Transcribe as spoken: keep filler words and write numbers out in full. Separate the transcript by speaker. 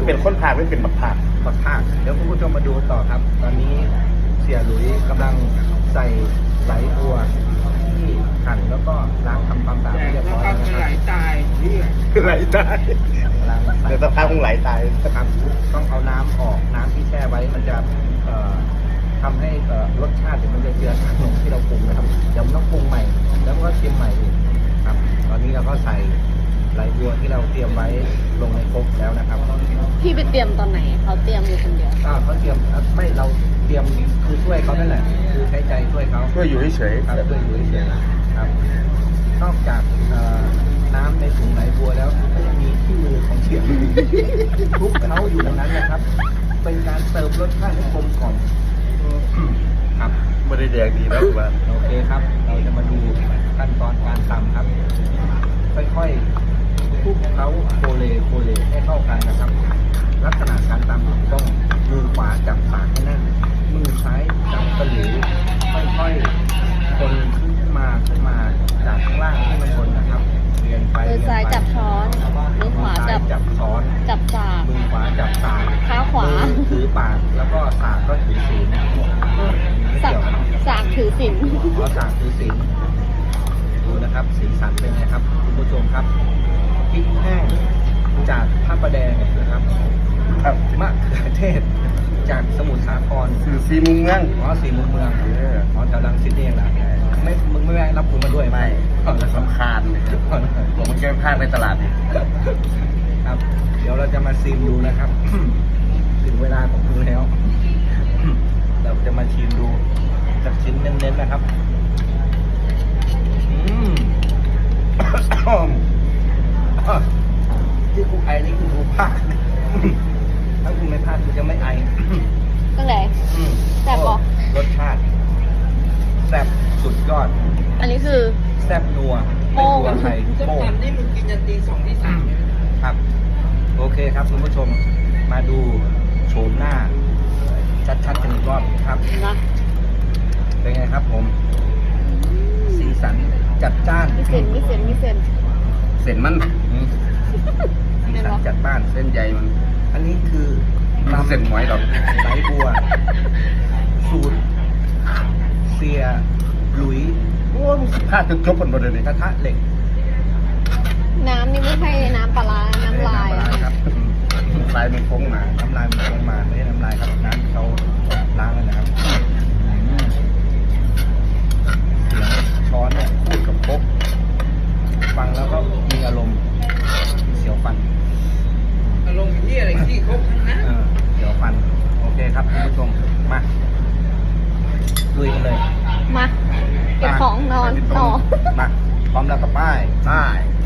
Speaker 1: เป็นคนพากไม่เป็นบักพาก
Speaker 2: บักพากเดี๋ยวคุณผู้ชมมาดูต่อครับ ตอนนี้เสียหลุยกำลังใส่ไหลบัวที่หั่นแล้วก็ล้างทำความสะอาดเรียบร้อยแล้วนะครับ
Speaker 3: ไหลตายนี่
Speaker 1: ไหลตาย
Speaker 2: กำลังใส่
Speaker 1: เดี๋ยวสักพักคงไหลตาย
Speaker 2: ครับต้องเอาน้ำออกน้ำที่แช่ไว้มันจะเอ่อทำให้เอ่อรสชาติเดี๋ยวมันจะเจือจางลงที่เราปรุงนะครับเดี๋ยวมันต้องปรุงใหม่แล้วก็ชิมใหม่อีกครับ ตอนนี้เราก็ใส่ไหลบัวที่เราเตรียมไว้ลงในครกแล้วนะครับ
Speaker 4: พี่ไปเตรียมตอนไหนเขาเตรียมอยู่คนเดียว
Speaker 2: อ่าเขาเตรียมอ่ะไม่เราเตรียมคือช่วยเขานั่นแหละคือใช้ใจช่วยเขา
Speaker 1: ช่วยอยู่เฉย
Speaker 2: ครับช่วยอยู่เฉยๆครับนอกจากเอ่อน้ำในถุงไหลบัวแล้วก็ยังมีที่มือของเฉียบทุกเขาอยู่ตรงนั้นนะครับ เป็นการเติมรสชาติให้กลมกล่อมครับ
Speaker 1: ไม่ได้แดกดีแล้วว่า
Speaker 2: โอเคครับ เราจะมาดูขั้นตอนการตำครับ ค่อยๆคลุกเคล้าโคเลโคเลให้เข้ากันนะครับ ลักษณะการตำต้องมือขวาจับปากให้แน่นมือซ้ายจับตะหลิวค่อยๆคนขึ้นมาขึ้นมาจากข้างล่างให้มันบนนะครับเรียนไป
Speaker 4: มือซ้ายจับช้อน มือขวาจับ
Speaker 2: จับช้อน
Speaker 4: จับสาก
Speaker 2: มือขวาจับสาก
Speaker 4: เท้าขวา
Speaker 2: มือถือปากแล้วก็สากก็ถือศีล
Speaker 4: สากสากถือศีล
Speaker 2: ขอสากถือศีลดูนะครับสีสันเป็นไงครับคุณผู้ชมครับพริกแห้งจากพระประแดงนะครับ
Speaker 1: ครับ
Speaker 2: มะเขือเทศจากสมุทรสาคร
Speaker 1: สื่อซีมุมเมือง
Speaker 2: อ๋อสีมุมเมือง
Speaker 1: เออ
Speaker 2: อ๋อแถวรังสิตนี่เองนะไม่มึงไม่แวะรับกูมาด้วย
Speaker 1: ไม่
Speaker 2: อ๋อแล้วครับ
Speaker 1: สำคาญเลยครับผมมันแก้พลาดในตลาดนี่
Speaker 2: ครับ เดี๋ยวเราจะมาซิมดูนะครับ ถึงเวลาของคุณแล้ว เราจะมาชิมดูจากชิ้นเน้นๆนะครับอืม ที่กูไอนี่คือกูพลาดถ้ากูไม่พลาดกูจะไม่ไอ
Speaker 4: ตั้งแต่
Speaker 2: อืม
Speaker 4: แซ่บปะ
Speaker 2: รสชาติแซ่บสุดยอด
Speaker 4: อันนี้คือ
Speaker 2: แซ่บนัว
Speaker 4: โป้
Speaker 2: ไม่
Speaker 4: ง
Speaker 2: กลัวใคร
Speaker 3: จะ
Speaker 2: โป้ง
Speaker 3: ทำนี่มึงกินยันตีสองตีสามเนี่ย
Speaker 2: ครับ โอเคครับคุณผู้ชม มาดูโฉมหน้า ชัดๆกันอีกรอบครับ
Speaker 4: นะ
Speaker 2: เป็นไงครับผม สีสันจัดจ้าน
Speaker 4: มีเส้นมีเส้นมีเส้น
Speaker 1: เส้นมัน
Speaker 2: อืมสีสันจัดบ้าน
Speaker 1: เส้นใหญ่มัน
Speaker 2: อันนี้คือ
Speaker 1: มันเส้นหมอยหรอก
Speaker 2: ไหลบัว สูตรเสียหลุย
Speaker 1: โอ้มึงสิพลาดจนจบกันหมดเลยนี่
Speaker 2: กระทะเหล็ก
Speaker 4: น้ำนี่ไม่ใช่น้ำปลาร้าน้ำลาย
Speaker 2: น้ำลายครับอืม
Speaker 1: ลายมันโค้งมา
Speaker 2: น้ำลายมันลงมาไม่ใช่น้ำลายครับน้ำที่เขาล้างเลยนะครับอืมเสียงช้อนเนี่ยพูดกับครกฟังแล้วก็มีอารมณ์เสียวฟัน
Speaker 3: อารมณ์ที่อะไรที่ครบทั้งนั้น
Speaker 2: เออเดี๋ยวฟัน โอเคครับคุณผู้ชม มาลุยกันเลย
Speaker 4: มาเก็บของนอนต่อ
Speaker 2: มา พร้อมแล้วกับป้าย
Speaker 1: ได้